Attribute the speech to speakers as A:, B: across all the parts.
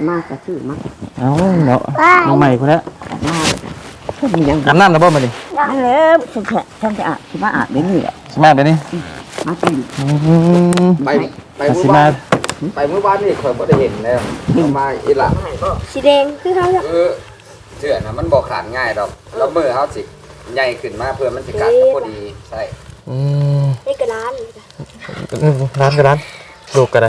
A: มากก็ชื่อมาก
B: เอาเนาะน้องใหม่คนละ
A: มากก็มียัง
B: อาบน้ำนะบ่มาดิ
A: นั่นเลยฉันจะอาบฉันมาอาบเดี๋ยวนี้แหละ
B: สมาเดี๋ยวนี้
A: มาตี
C: ไปเมื่อวานนี่ข่อยบ่ได้เห็นแล้วมาอีหล่ะ
D: สีแดงคือเขา
C: เสื้อน่ะมันบ่ขาดง่ายดอกแล้วมือเฮาสิใหญ่ขึ้นมาเพื่อมันสิกัดพอดีใช่
D: นี่ก็ร้าน
B: ก็ร้านลูกก็ได้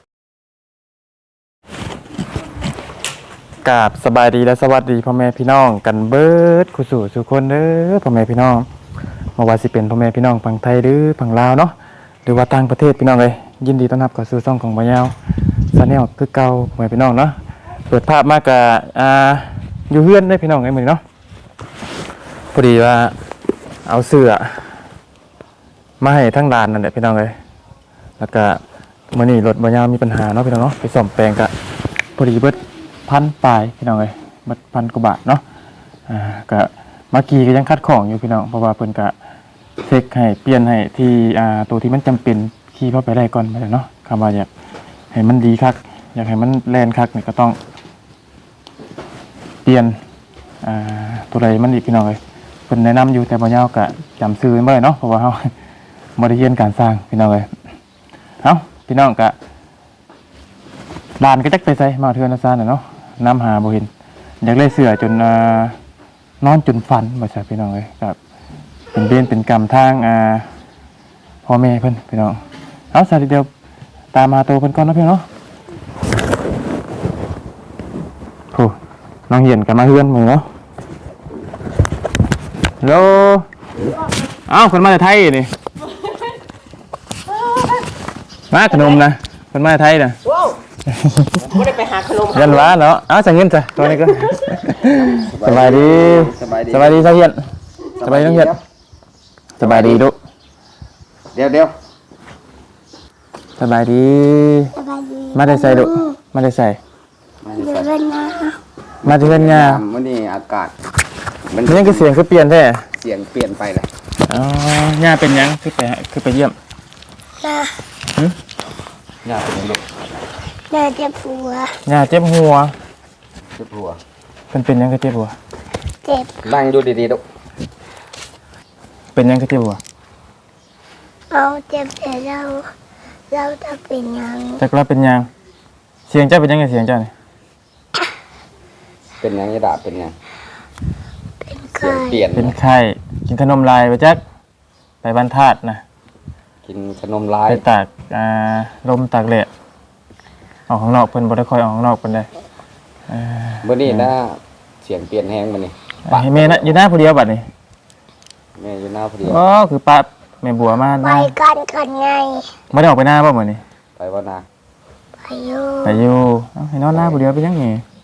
B: กราบสบายดีและสวัสดีพ่อแม่พี่น้องกันเบิดคู่สู่ทุกคนเด้อพ่อแม่พี่น้องมาว่าสิเป็นพ่อแม่พี่น้องฝั่งไทยหรือฝั่งลาวเนาะหรือว่าต่างประเทศพี่น้องเลยยินดีต้อนรับเข้าสู่ช่องของบ่าวยาวชาแนลคือเก่าพ่อแม่พี่น้องเนาะเปิดภาพมากกับอยู่เฮือนได้พี่น้องไอ้มื้อเนาะพอดีว่าเอาเสื้อมาให้ทั้งร้านนั่นแหละพี่น้องเลยแล้วก็มื้อนี้รถบ่าวยาวมีปัญหาเนาะพี่น้องเนาะไปซ่อมแปลงก็พอดีเบิด1,000 ปลายพี่น้องเลยเบิด1,000 กว่าบาทเนาะก็เมื่อกี้ก็ยังคัดของอยู่พี่น้องเพราะว่าเพิ่นก็เช็คให้เปลี่ยนให้ที่ตัวที่มันจำเป็นขี่เข้าไปได้ก่อนไปเลยเนาะคำว่าอยากให้มันดีคักอยากให้มันแลนคักนี่ก็ต้องเปลี่ยนตัวใดมันอีกพี่น้องเลยเพิ่นแนะนำอยู่แต่บ่ยาวก็จำชื่อไม่ได้เนาะเพราะว่าเฮาบ่ได้เรียนการสร้างพี่น้องเลยเอ้าพี่น้องก็ลานก็จักไปใส่มาเทือนซ่านน่ะเนาะน้ำหาบ่เห็นอยากเลยเสือจนนอนจนฝันว่าซะพี่น้องเลยก็เป็นเวรเป็นกรรมทางพ่อแม่เพิ่นพี่น้องเอาสาธิตเดียวตามมาโตเพิ่นก่อนนะพี่น้องโหน้องเหียนกันมาเฮือนมื้อเนาะฮัลโหลเอ้าคนมาจากไทยนี่มาขนมนะคนมาจากไทยน่ะ
A: ไม่ได้ไปหาขนม
B: ยันว้าเนาะเอาใส่เงินจ้ะตัวนี้ก็สบายดีสบายดีสบายเหียนสบายดีน้องเหียนสบายดีดุ
C: เดี๋ยว
B: สบายดีมาได้ใส่ดุมาได้ใส่มาได้เล่นงา
C: มื้อนี้อากาศ
B: มันยังคือเสียงคือเปลี่ยนแท้
C: เสียงเปลี่ยนไปเลย
B: อ๋องาเป็นยังคือไปเยี่ยม
C: งาเป็นยังลูก
D: งาเจ็บหัว
B: งาเจ็บหัวเป็นยังก็เจ็บหัว
D: เจ็บ
C: นั่งอยู่ดีๆลูก
B: เป็นยังก็เจ็บหัว
D: เอาเจ็บแต่เราจะเป็นยัง
B: จากเราเป็นยังเสียงเจ้าเป็นยังไงเสียงเจ้าเนี่ย
C: เป็นยังไงดาเป็นยัง
D: เป็นไข้
B: เป็นไข้กินขนมลายไปจักไปบ้านธาตุนะ
C: กินขนมลาย
B: ไปตากลมตากแดดออกข้างนอกเพิ่นบ่ได้ค่อยออกข้างนอกเพิ่นได้
C: มื้อนี้นะเสียงเปลี่ยนแฮงมื้อนี้
B: ให้แม่นะอยู่หน้าผู้เดียวบัดนี้
C: แม่อยู่หน้าผู้เดียว
B: อ๋อคือป้าแม่บัวมา
D: ไปกันไง
B: บ่ได้ออกไปหน้าบ่มื้อนี้
C: ไปบ่นา
D: ไปอยู่
B: ให้นอนหน้าผู้เดียวไปยังไง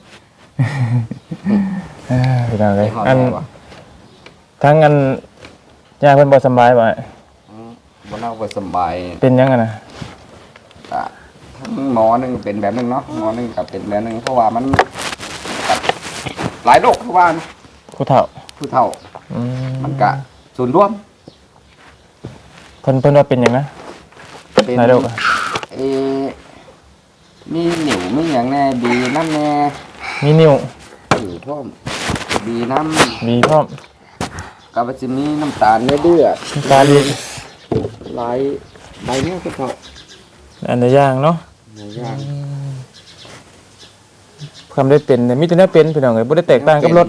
B: พี่น้องเลยทั้งย่าเพิ่นบ่สบายบ่
C: บ่น่าบ่สบาย
B: เป็นยังนะ
C: ทั้งหมอนึงเป็นแบบนึงเนาะหมอนึงกับเป็นแบบนึงเพราะว่ามันหลายโรคคือว่า
B: ผู้เฒ่า
C: มันกะส่วนรวม
B: เพิ่นว่าเป็นหยังนะหลายโรค
C: มีนิ่วมีหยังแน่บีน้ำแน่
B: มีนิ่ว
C: พร้อมบีน้
B: พร้อม
C: กับจะมีน้ำตาลเดือด
B: น้ำตาล
C: หลายใบเนี้ยก็พอ
B: อันใดย่างเนาะความได้เป็นมีแต่เนื้อเป็นพี่น้องเอ้ยบ่ได้แตกต่างกับรถ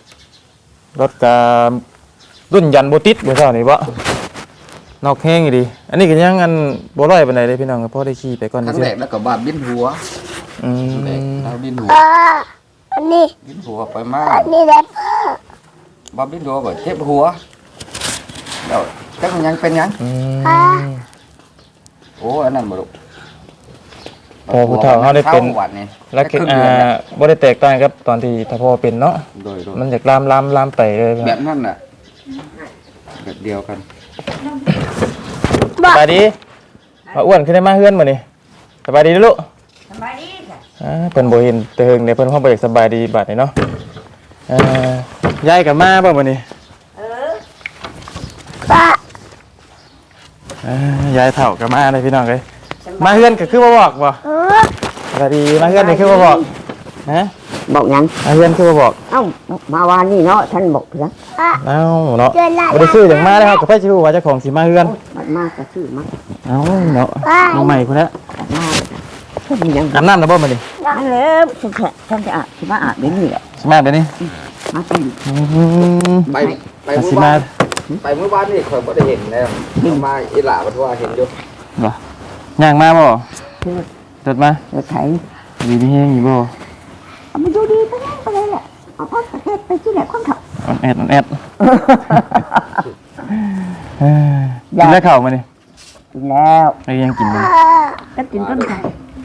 B: กับรุ่นยันบ่ติดบ่ซ่านี่บ่นอกแห้งอยู่ดีอันนี้ก็ยังบ่ร้อยปานใดเลยพี่น้องพอได้ขี่ไปก่อน
C: ซื่อๆทั้งแรกแล้วก็บาดบินหัวแล้วบินหัว
D: อันนี้
C: บินหัวไปมาก
D: อันนี้แหละ
C: บาดบินหัวก็เจ็บหัวแล้วจักมันยังเป็นยังโอ้อันนั้นบ่ลูก
B: พอผู้เฒ่าเฮาได้เป็นแล้วบ่ได้แตกต่างกับตอนที่ถ้าพ่อเป็นเนาะมันอยากลามไปเลย
C: แบบนั้นน่ะแบบเดียวกัน
B: สบายดีมาอ้วนขึ้นได้มาเฮือนมื้อนี้สบายดีลูก
A: สบายดีจ้ะ
B: เพิ่นบ่เห็นแต่เฮิงเนี่ยเพิ่นคงบ่อยากสบายดีบัดนี้เนาะยายก็มาบ่มื้อนี้
D: ป้
B: ายายเฒ่าก็มาเลยพี่น้องเอ้ยมาเฮือนก็คือบ่บอกบ่สวัสดีมาเฮือนนี่คือบ่บอกฮะ
A: บอกยัง
B: เพื่อนคือมาบอก
A: เอ้ามาวานนี่เนาะท่านบอกนะ
B: เอ้าเนาะ
D: เดือนละ
B: บ่ได้ซื้ออย่างมาเลยครับกับไผสิฮู้ว่าเจ้าของสิมาเฮือน
A: มันมากก็ชื่อมาก
B: เอ้าเนาะน้องใหม่พุ่นละ
A: มากท่านยัง
B: อาบน้ำแล้วบ่มื้อนี้
A: นั่นแล้วท่านจะอาบสิมาอาบเดี๋ยวนี้แหละ
B: สิมาเดี๋ยวนี้
A: มาตี
C: ไปไป
B: อา
C: เมื่
B: สิ
C: อ
B: มาว
C: านไปเมื่อวานนี่ข่อยบ่ได้เห็นแล้วเอามาอีหล่าบ่ทั่วเห็นอยู่
B: บ่ย่างมาบ่
A: คือ
B: รถมา
A: เราใช้
B: ดีมีแฮงอยู่บ่
A: เอามาดูดีไปนั่นไปเลยแหละเอาพ่อประเทศไปที่ไหนคนขับ
B: ออนแอดกินได้ข้าวมื้อนี้
A: กินแล้ว
B: ไอ้ยังกินอยู่
A: ก็กินต้นไทร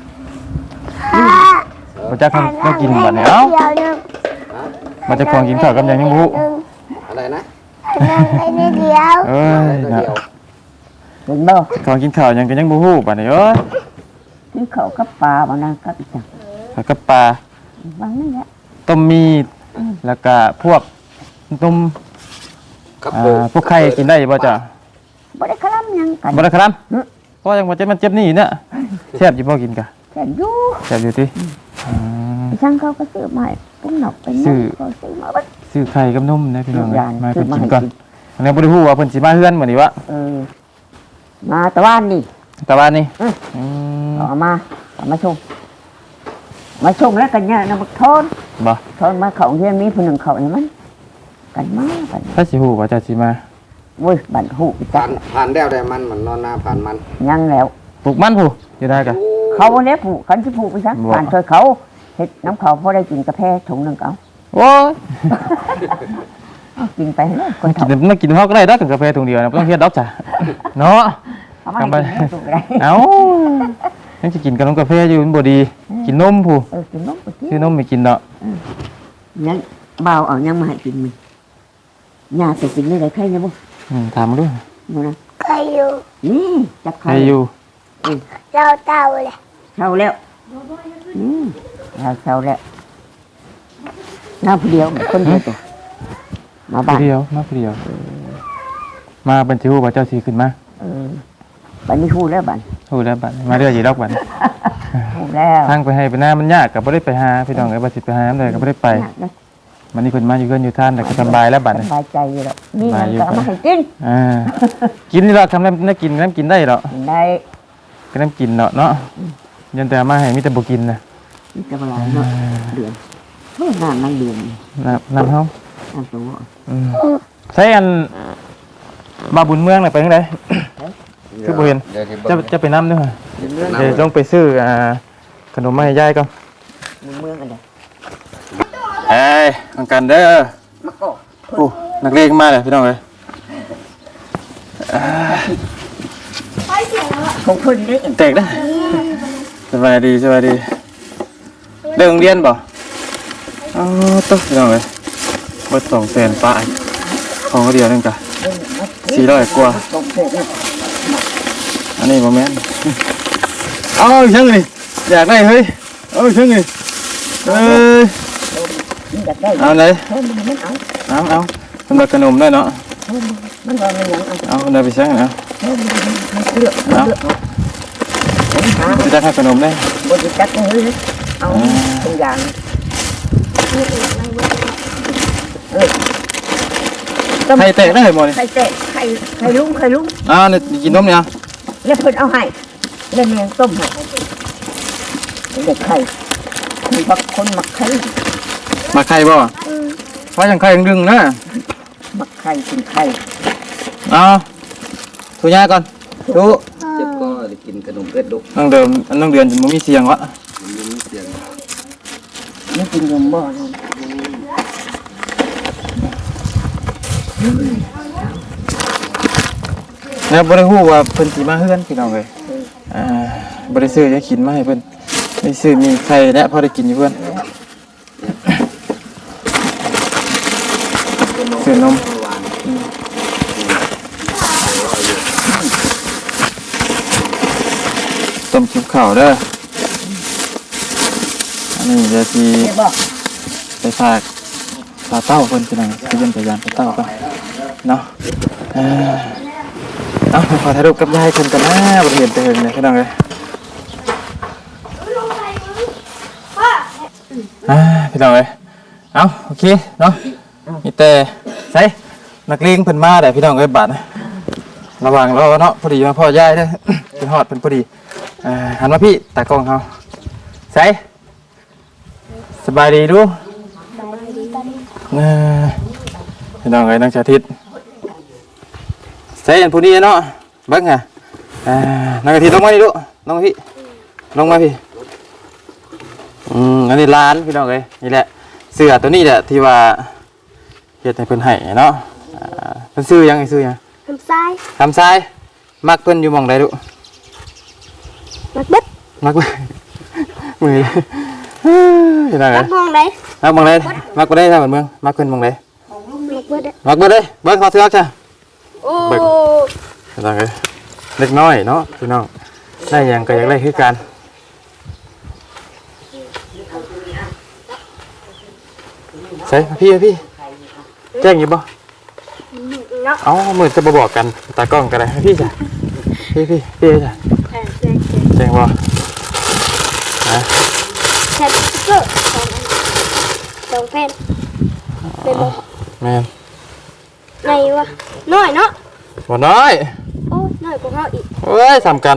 B: บ่จักต้องกินบัดนี้เอ้ามาจะของกินข้าวกับหยังยังบ่ฮู้
C: อะไรนะ
D: ไปนิดเดียว
B: เอ้ย
C: ตัว
B: นะ
C: เดียว
A: กินบ่
B: ของกินข้าวหยังก็ยังบ่ฮู้บัดนี้เอ้ย
A: กินข้าวกับปลาบ้านะกับอีกจัง
B: ข้าวกับปลา
A: บางนั่นแหละ
B: ต้มมีแล้วก็พวกต้ม
C: ครับ
B: พวกไข่กินได้บ่จ้ะ
A: บ่ได้คลำยังกัน
B: บ่ได้ครับเพราะยังบ่เจ็บมันเจ็บนี่เนี่ยแซ่บอยู่บ่กินกะ
A: แค่อยู่
B: แซ่บอยู่ติ
A: ช่างเขาก็ซื้อมาเป็นหนอกเป็นนกก็ซื้อมาบัด
B: ซื้อไข่กับนมนะพี่น้อง
A: ยาน
B: มา
A: ซื้
B: เพิ่
A: อน มา
B: กิน
A: ให้
B: ก่อน
A: กิน
B: อันนี้บ่ได้ฮู้ว่าเพิ่นสิมาเฮือนมื้อนี้วะ
A: มาตะวันนี่
B: แต่ว่านี่
A: เอามาชงแล้วกันเนี่ยนะบักทน
B: บ่
A: ทนมาเขาเฮียนมีผู้หนึ่งเขานี่มันกันมากัน
B: ถ้าสิฮู้ว่าจะสิมา
A: เว้ยบันหูจั
C: ผ่าก นแล้วได้มันเหมือนนอนหน้าผ่านมัน
A: ยังแล้ว
B: ปลูกมันผู้อยู่ได้กะ
A: เขาวันนี้ผูกกันที่ผูกไปซะ
B: บ่
A: ผ่านช่วยเขาเฮ็ดน้ำเขาพอได้กินกาแฟถุงหนึ่งเอา
B: โอ้ย
A: เอากินไปเลยคน
B: กิ
A: เฒ่าน
B: มากินเฮาก็ได้ดอกกาแฟถุงเดียวนะบ่ต้องเฮ็ดดอกจ้ะเนาะ
A: เขามาให้กินไม่ถูกอะไร
B: เอ้ายังสิกินกับนมกาแฟอยู่มันบ่ดี กินนมผู้
A: กินนมไปกิน
B: ซื้อนมไม่กินเนาะ
A: ยังเบาเอายังมาให้กินมึงยาไปกินนี่ได้ใครเนี่ยบุ
B: ถามมาดู
A: มึงนะ
D: ใครอยู่
A: นี่จับใค
B: ใค
A: ร
B: รอยู่
D: เราเต่าเลย
A: เช่าแล้วเราเช่าแล้วน้าผู้เดียวคนเดียวตัวมาบ้าน
B: ผู้เดียวมาผู้เดียว มาเป็นสิฮู้ว่าเจ้าสิขึ้นมา
A: บ้านนี้ฮู้แล้วบ้าน
B: ฮู้แล้วบัดมาเรื่อยอยู่ดอกบัด
A: ฮู้แล้ว
B: ทางไปให้ไปหน้ามันยากก็บ่ได้ไปหาพี่น้องเอ้ยบ่สิไปหาเลยก็บ่ได้ไป มันนี่เพิ่นมาอยู่เฮือนอยู่ท่านแต่ก็สบายแล้วบัด
A: ส
B: นี้
A: บายใจอยู่แล้วนี่มันก็เอามาให้กิน
B: กินนี่ล่ะทำน้ำกินน้ำกินได้ดอก
A: ได้
B: ก็น้ำกินเนาะเนาะยันแต่มาให้มีแต่บ่กินนะ
A: นี่จะมาหลายเนาะเดือนเฮ้ยน้ำนั่งเดือน
B: น้ำเฮา
A: น้ำตัว
B: ใช้อันบาบุญเมืองน่ะไปจังได คือบ่เห็น
C: เดี๋ยวที่เบิ่ง
B: จะไปน้ำด้วย
A: เมือง
B: เดี๋ยวต้องไปซื้อขนมมาให้ยายก่อน
A: เมืองอะไร
B: เอ้ยทางกันเด้อ
A: มะกอก
B: โอ้นักเลงมาเลยพี่น้องเอ้ย
A: ของเพิ่นได้เอง
B: แตกได้สบายดีสบายดีเรื่องเรียนบ่อ๋อตุ๊พี่น้องเอ้ยเบิด200,000ป้ายของเดียวนึงกะ400กว่า
A: ของเพิ่น
B: อันนี้บ่แม่นเอาอีกจังนี่อยากได้เฮ้ยเอาอีกจังนี่เอ้ย
A: มันอยากได้
B: เอาไหน
A: เพิ่นมันเอา
B: เอาสำหรับขนมได้เนาะ
A: มันว่ามันยังเอา
B: เอาได้ไปซังเอา
A: มันเลือกมันเลือกผมหา
B: จะได้ค่าขนมได้
A: บริจาคเฮ้ยเอาตัวอย่าง
B: ไข่แตกได้หมดเลย
A: ใครเตะใครลุง
B: อ้าวนี่กินนมเนี่ย
A: แล้วเพิ่นเอาให้แล้วแมงต้มให้เด็กไข่มีบางคนมักไข่
B: มาไข่บ่ว่าจังไข่ยังดึงนะ
A: มักไข่กินไข่
B: เอาถูยาก่อนดู
C: เจ็บก็ได้กินขนมเป็ดดุก
B: น้องเดือนมันมีเสียงวะ
C: มันมีเสียง
A: ไม่กินยมบ่นะ
B: แล้วบ่ได้ฮู้ว่าเพิ่นสิมาเฮือนพี่น้องเอ้ยบ่ได้ซื้อยากินมาให้เพิ่นได้ซื้อมีไข่และพอได้กินอยู่เพิ่นซื้อนมต้มชิบข้าวเด้ออันนี้จะสิ
A: เด็กบ่
B: ไปฝากปลาเต้าเพิ่นพี่น้องไปเยี่ยมไปยามปลาเต้าก่อนเนาะเอาขอถ่ายรูปกับยายเพิ่นกันนะบ่เห็นแต่เฮิงเลยพี่น้องเอ้ยพี่น้องเอ้ยเอาโอเคเนาะมีแต่ใส่นักเลงเพิ่นมาได้พี่น้องเอ้ยบาดระวังรอเนาะพอดีมาพ่อยายเด้อ เป็นฮอดเพิ่นพอดีหันมาพี่ตากล้องเฮาใส่สบายดีดูพี่น้องเอ้ยนักสาธิตใส่อันผู้นี้เนาะเบิ่งอ่ะนักสาธิตลงมาดิลูกลงมาพี่ลงมาพี่อันนี้ร้านพี่น้องเอ้ยนี่แหละเสื้อตัวนี้แหละที่ว่าเฮ็ดให้เพิ่นให้เนาะเพิ่นซื้อยังไอ้ซื้อยัง
D: ทำทราย
B: ทำทรายมักเพิ่นอยู่หม่องใดลูก
D: มักเบ็ด
B: มักมือพี่น้อง
D: มั
B: เอ้
D: ก
B: ย
D: มองไหน
B: มักหม่องใดมักบ่ได้ทางบ้านเมืองมักเพิ่นหม่องใด
D: มักเบ็ดอะ
B: มักบ่ได้เบิ่งขอเสื้อจ้ะ
D: โอ้
B: พี่น้องเอ้ยเล็กน้อยเนาะพี่น้องได้หยังก็อยากได้คือกันใส่พี่แจ้งอยู่บ่
D: เนาะ
B: เอ้ามือจะบ่บอกกันตากล้องก็ได้ให้พี่จ้ะพี่จ้ะแจ้งบ่ฮะ
D: แชทสติ๊กเกอร์สองแผ่นเป็นบ่
B: แม่น
D: ไหนวะน้อยเนาะ
B: บ่น้อย
D: โอ้น้อยกว่าเขาอีก
B: เอ้ยสำคัญ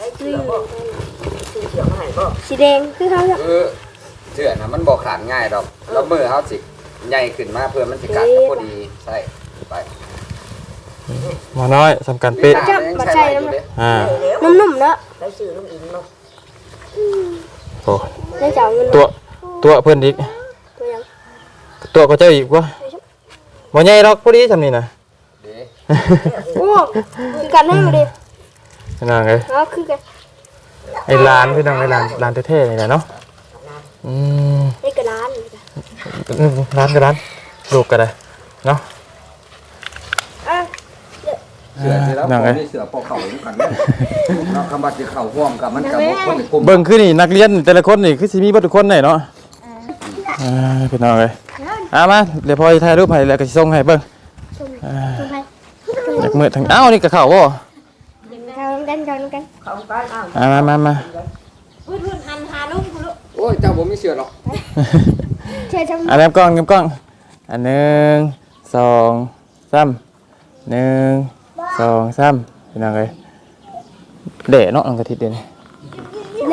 D: สีแดงคือเขาเนี่ย
C: เสื้อน่ะมันบ่ขาดง่ายดอกแล้วมือเฮาสิใหญ่ขึ้นมาเพื่อมันสิกัดกับพอดีใช่ไป
B: บ่น้อยสำคัญเป๊ะ
C: ยังใช้ได้อยู่เด้
D: นุ่มๆเนาะ
B: โอ้
D: ได้เจ้าเงิน
B: ตัวเพิ่นอีก
D: ตัวยัง
B: ตัวก็เจ้าอีกวะบ่ใหญ่ดอกพอดีซำนี่น่ะ
C: เด้
D: โอ้คือกันให้มาดิ
B: พี่น้องเอ้ย
D: เนาะคือกัน
B: ไอ้ร้านพี่น้องไอ้ร้านเท่ๆนี่แหละเนาะ
D: นี่กระดาน
B: ร้านก็ร้านลูกก็ได้เนาะ
D: อ่ะ
C: เสื้อที่แล้วผมนี่เสื้อพอเข้าอยู่กันเด้เนาะคำว่าสิเข้าร่วมกับมันก็บ่คนกลุ่ม
B: เบิ่งคือนี่นักเรียนแต่ละคนนี่คือสิมีเบ่ทุกคนได้เนาะพี่น้องเอ้ยมาเดี๋ยวพอสิถ่ายรูปให้แล้วก็สิส่งให้เบิ่ง
D: ชมไป
B: อยากมืดทั้งอ้าวนี่ก็เข้าบ่
D: กัน
B: มา
D: พูดหันหาลูกลูก
C: โอ้ยเจ้าบ่มีเสื้อหรอก
D: เชื่อชม
B: อันนี้กล้องอัน1 2 3 1 2 3พี่น้องเอ้ยเด้เนาะน้องกะทิเด้นี่
D: เล่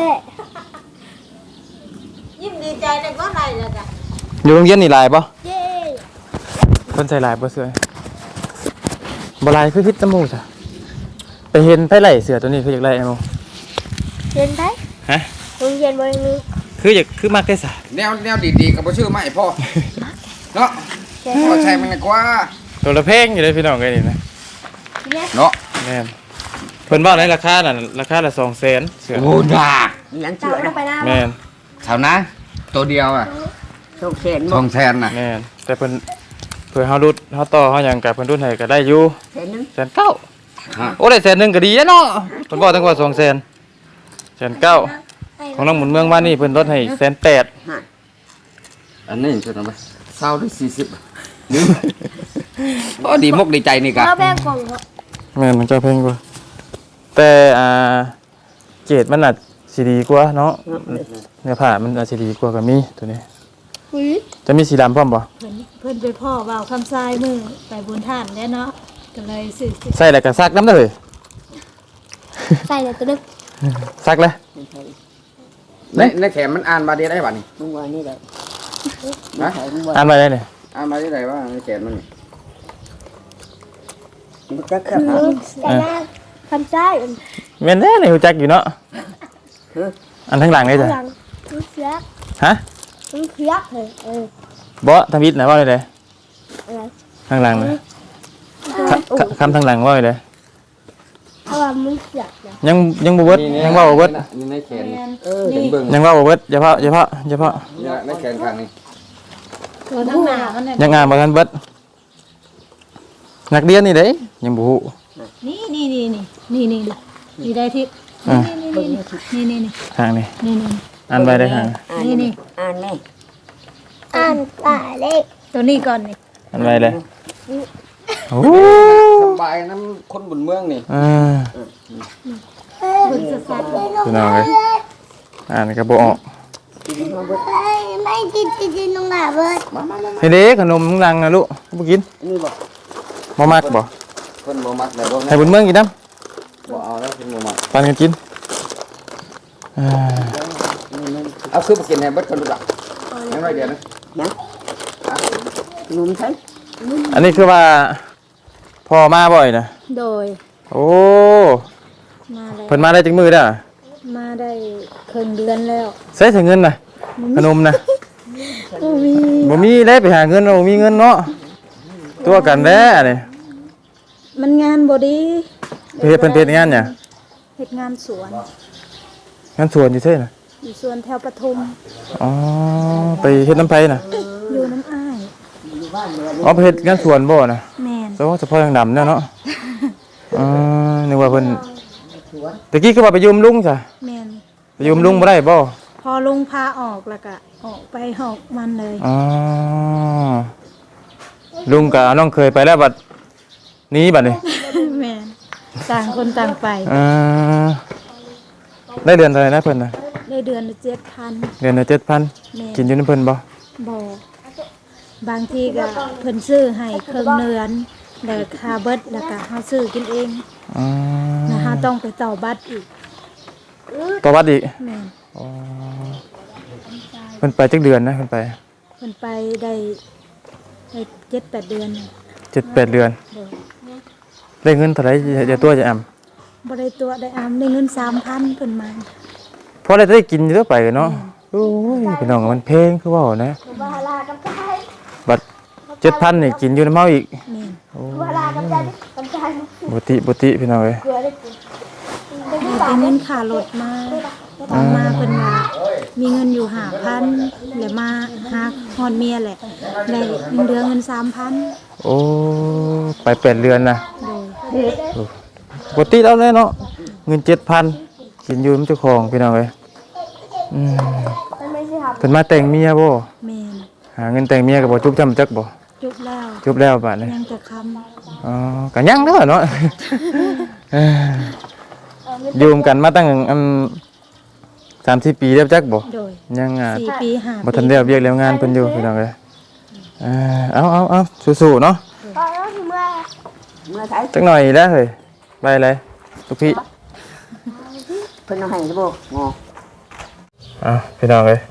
E: ยิ้มดีใจเลยก็ไรเลยจ้ะ
B: อยู่โรงเรียนนี่หลายบ่
D: เย้
B: เพิ่นใส่หลายบ่เสื้อบ่หลายคือพิษตะมูจ้ะไปเห็นไผไหลเสื้อตัวนี้คืออยากได้ไอ้หมู
D: เย็นไป
B: ฮะ
D: โรงเรียนบริมี
B: คือมักได้ซะ
C: แนวดีๆก็บ่ชื่อมาให้พ่อเนาะพอใช้มันดีกว่า
B: ตัวละแพงอยู่เลยพี่น้องเอ้ยนี่นะ
C: เนาะ
B: แม่นเพิ่นว่าในราคาน่ะราคาละ200,000เสื้อ
C: โอ้ด่า
A: ยัง
D: ตา
A: เชื่อ
D: มลงไปหน้า
B: แม่น
C: เท่านะตัวเดียวอ่ะ
A: โชคเชน
C: ทองแทนน่ะ
B: แม่นแต่เพิ่นเพื่อเฮารุดเฮาต่อเฮาหยังก็เพิ่นรุดให้ก็ได้อยู่
A: เชนนึง
B: 1,900,000โอ้ได้100,000ก็ดีแล้วเนาะเพิ่นบอกตั้งว่า200,000 1,900,000ของน้องหมุนเมืองบ้านนี่เพิ่นลดให้180,000
C: อันนี้จะทำไมเศร้าได้40นึงโอ้ดีมกดีใจนี่กะ
D: เราแบ่งกล่องเหรอ
B: แม่นมันเจ้าเพลงกว่าแต่เกรดมันอาจสิดีกว่าเนาะเนื้อผ้ามันอาจสิดีกว่าก็มีตัวนี้
D: อุ้ย
B: จะมีสีดำพร้อมบ่
E: เพิ่นไปพ่อเบาคำทรายมือไปบุญท่านแล้วเนาะก็เลยสื่อ
B: ใส่แล้วก็ซักน้ำเด้อเฮ้ย
D: ใส่เลยตัวนึง
B: ซักเลย
C: ในแขนมันอ่านมาดีได้ป่ะนี่
A: มึงว่านี่แหละ
C: นะ
A: มึงว่า
B: อ่านไว้ได้นี่
C: อ่านมาดีได้ว่าในแขนมันนี่
A: มึงจะขับ
D: ใส่หน้าคำซ้าย
B: แม่นแน่นี่ฮู้จักอยู่เนาะอันข้างหลังนี่จ้ะ
D: หลังมึงเสียก
B: ฮะ
D: มึงเสียกเลย
B: บ่ทำอิฐนะว่าได้
D: อะไร
B: ข้างหลังนะคำทางหลังว่าได้
D: เพราะว่ามึงเสียกนะ
B: ยังบ่เบิดยังว่าบ่เบิด
C: นี่ในแขนนี่
E: นี่
C: เบิ่ง
B: ยังว่าบ่เบิดอย่าเพาะ
C: นี่ในแขนข้างนี้
E: ตัวทั้งหน้ามันเนี่ย
B: ยังอ่านบ่ทันเบิดนักเรียนนี่เด้ยังบ่ฮู้
E: นี่ได้ทิศนี่
B: ทางนี้
E: นี่
B: อ่านไว้ได้ทาง
E: นี่
A: อ่านแม่
D: อ่านป่าเล็ก
E: ตัวนี้ก่อนนี่
B: อ่านไว้เลยโอ้
C: สบายน้ำคนบนเมืองนี่
E: บุญสัส
B: พี่น้องเอ้ยอ่านก็บ่ออก
D: ไม่กินน้องหนาเบิด
B: เฮ้ยเด็กขนมมึงลังนะลูกบ่กิน
C: นี่บ่
B: บ่มักบ่
C: เพิ่นบ่มักแล้วบ่
B: ให้บุญเมืองกินน้
C: บ่เอาแล้วเพิ่นบ่มัก
B: ำปันกันกินอ่า
C: เอาคือบ่กินให้เบิดคนดูล่ะยังน้อยเดียวนะ
A: นุ่มใช่
B: อันนี้คือว่าพ่อมาบ่อยนะ
E: โดย
B: โอ้
E: มาแล้ว
B: เพิ่นมาได้จังมือเด้อ
E: มาได้ครึ่งเดือนแล้ว
B: ใช้ถึงเงินน่ะขนมน่ะ
E: บ่มี
B: บ่มีเลยไปหาเงินบ่มีเงินเนาะตัวกันแด้นี่
E: มันงานบ่ดี
B: เฮ็ดเพิ่นเฮ็ดงานหยัง
E: เฮ็ดงานสวน
B: งานสวนอยู่ซื่อน่ะ
E: อยู่สวนแถวปทุม
B: อ๋อไปเฮ็ดน้ำไผน่ะ
E: อยู่น้ำอ้าย
B: อ๋อไปเฮ็ดงานสวนบ่น่ะ
E: แม่น
B: เฉพาะทางดำเนี่ยเนาะนึกว่าเพิ่นตะกี้คือว่าไปยืมลุงจ้ะ
E: แม่น
B: ไปยืมลุงบ่ได้บ่
E: พอลุงพาออกแล้วก็ออกไปหอกมันเลย
B: อ๋อลุงกับน้องเคยไปแล้วบัดนี้บัดนี้
E: แม่นต่างคนต่างไป
B: ได้เดือนเท่าไหร่นะเพิ่นน่ะ
E: ได้เดือนละ7,000
B: เดือนละ
E: แม่
B: 7,000กินอยู่นำเพิ่นบ่
E: บ่บางทีก็เพิ่นซื้อให้ครึ่งเดือนแล้วค่าเบิดแล้วก็เฮาซื้อกินเอง
B: อืม
E: นะฮะต้องไปต่อบัตรอีก
B: ต่อบัดอีก
E: แม่น
B: อ๋อเพิ่นไปจักเดือนนะเพิ่นไป
E: เพิ่นไปได้7-8 เดือน
B: 7-8 เดือน
E: โดย
B: ได้เงินเท่าไหร่อย่าตัวจะอำ
E: บ่ได้ตัวได้อามได้เงิน 3,000เพิ่นมา
B: พอได้กินอยู่ตัวไปเนาะโอ้ยพี่น้องมันเพลงคือเว้านะ
D: บาลากับใจ
B: บัด7,000นี่กินอยู่นำเฮาอีก
E: แม่น
D: บาลากับใจ
B: บุติพี่น้องเอ้ย
D: เกลือได้กิน
E: ได้เงินค่ารถมาตอนมาเพิ่นว่ามีเงินอยู่5,000แล้วมาหาฮอดเมียแหละได้เดือนเงิน 3,000
B: โอ้ไป8เดือนนะ
E: โดย
B: บุติแล้วเลยเนาะเงิน 7,000กินอยู่นำเจ้าของพี่น้องเอ้ย
D: มันไม่ใช่ครับ
B: เพิ่นมาแต่งเมียบ่
E: แม่น
B: หาเงินแต่งเมียก็บ่จุบจำจักบ่
E: จุบแล้ว
B: จุบแล้วบาดนี้
E: ยังจะคำ
B: อ๋อก็ยังเด้อเนาะอยู่กันมาตั้ง30 ปีแล้วจักบ่
E: โดย
B: ยัง
E: 4 ปี5
B: บ่ทันได้เรียกแล้วงานเพิ่นอยู่พี่น้องเอ้ยเอาสู้ๆเนาะ
D: ตอนนั้นคือเมื่อไทย
B: จักหน่อยแล้วเฮ้ยไปเลยลูกพี่
A: เพิ่นเอาให้บ่งอ
B: พี่น้องเอ้ย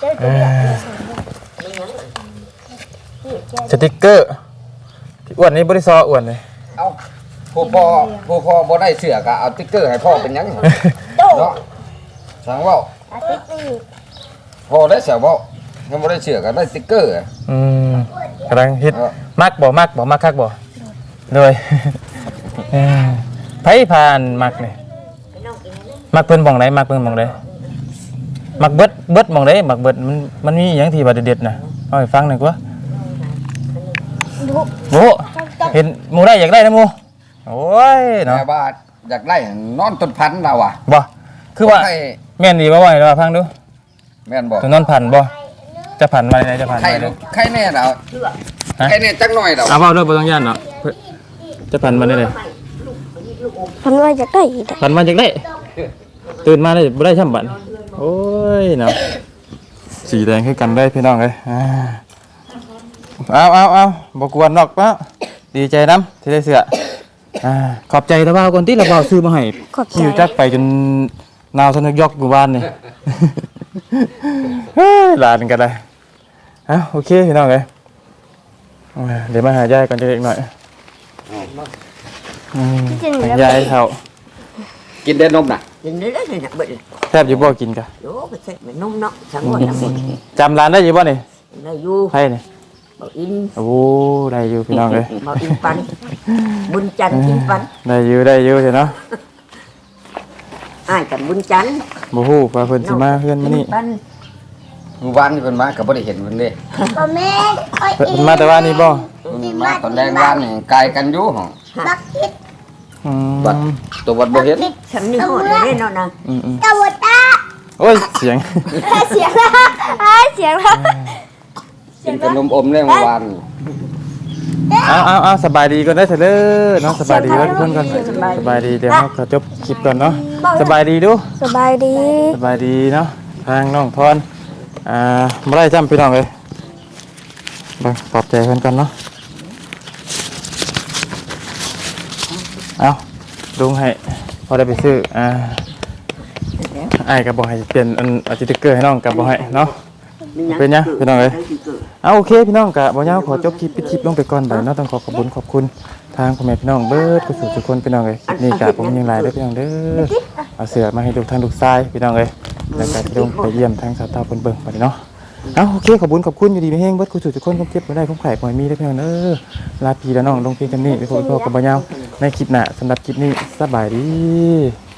B: สติ๊กเกอร์ที่อ้วนนี่บ่ได้ซออ้วนเลย
C: เอาผู้พ่อบ่ได้เสื้อก็เอาติ๊กเกอร์ให้พ่อเป็นหยังเนาะสั่งเว้า
D: อาทิตย์นี้
C: พ่อได้เสื้อเว้ายังบ่ได้เสื้อก็ได้ติ๊กเกอร์
B: กำลังฮิตมักคักบ่เลยไผผ่านมักนี่มักเพิ่นหม่องใดมักเพิ่นหม่องใดมักเบิดหม่องใดมักเบิดมันมีหยังที่ว่าเด็ดๆน่ะเอาให้ฟังหน่อยกว่าโอ้เห็นหมู่ได้อยากได้นะหมู่โอ้ยเนาะ
C: แม่ว่าอยากได้นอนต้นพันธุ์เราอ่ะ
B: บ่คือว่า
C: ให้
B: แม่นดีบ่ว่าให้ฟังดู
C: แม่นบ่
B: ตัวนอนพันบ่จะพันไว้ไหนจะพัน
C: ใคร
B: ไว้ไหน
C: ใครแน่เราใครแน่จักหน่อยเรา
B: เอาเว้าด้วยบ่ต้องย่านเนาะจะพันมาได้เลย
D: พันว่าจะได้อีก
B: พันมาจากได้ตื่นมาได้บ่ได้ช่ำบัดโอ้ยเนาะสีแดงคือกันได้พี่น้องเอ้ยเอาบ่กวนนอกปะดีใจนำที่ได้เสื้อขอบใจตะบ่าวก่อนที่ละบ่าวซื้อมาให้
D: ขอบใจ
B: หิวจักไปจนนาวสนึกยอกอยู่บ้านนี่ เฮ้ยหลานก็ได้โอเคพี่น้องเอ้ยเดี๋ยวมาหายายก่อนจะเล็กหน่อยยายเขา
C: กินได้นมน่ะ
A: กินได้เลยนะเบิด
B: แทบอยู่บ่กินกะ
A: โยก็ใส่มันนุ่มเนาะสังหวะนะเป็น
B: จำร้านได้อยู่บ่นี่
A: ได้อยู่
B: ไผนี่
A: บ่อิน
B: โอ้ได้อยู่พี่น้องเอ้ย
A: บ่อินปันบุญจันทร์กินปัน
B: ได้อยู่เถอะเนาะ
A: อ้ายกับบุญจันทร์
B: บ่ฮู้ว่าเพิ่นสิมาเฮือนมื้อนี้
A: ปัน
C: มื้อวานนี่เพิ่นมาก็บ่ได้เห็นเพิ่นเด้
D: บ่แม่น
B: เพิ่นมาแต่ว่านี่บ่
C: เพิ่นมาตอนแรงวานนี่ไกลกันอยู่ห้อง
D: บักคิด
C: บัดตัวบัดบ่เห็น
A: ฉันนี่หอดเลยเนาะนะ
D: ตะวตา
B: โอ้ยเสียง
D: เสียงละเสียงละ
C: กินขนมอมแรงเมื่อวานนี่
B: เอาสบายดีก่อนได้เถอะเด้อเนาะสบายดีเด้อทุกคนก่อนสบายดีเดี๋ยวเราก็จบคลิปก่อนเนาะสบายดีดู
D: สบายดี
B: สบายดีเนาะทางน้องพรบ่ได้จำพี่น้องเลยเบิ่งปลอบใจเพิ่นกันเนาะเอาลุงให้พอได้ไปซื้ออ้ายก็บ่ให้เปลี่ยนสติ๊กเกอร์ให้น้องก็บ่ให้เนาะเป็นหยังพี่น้องเอ้ยเอาโอเคพี่น้องก็บ่ยาวขอจบคลิปปิดคลิปลงไปก่อนเด้อเนาะต้องขอบคุณทางพ่อแม่พี่น้องเบิดทุกคนพี่น้องเอ้ยคลิปนี้ก็ผมยังหลายเด้อพี่น้องเด้อเอาเสือมาให้ดูทางลูกชายพี่น้องเอ้ยแล้วก็พี่น้องไปเยี่ยมทางสาวเฒ่าเพิ่นเบิ่งบัดนี้เนาะเอาโอเคขอบคุณอยู่ดีมีแฮงเบิดทุกคนผมเก็บบ่ได้ผมไข่บ่มีเด้อพี่น้องเด้อลาพี่และน้องลงเพียงกันนี้ไปพบกับบ่ยาวในคลิปหน้าสำหรับคลิปนี้สบายดี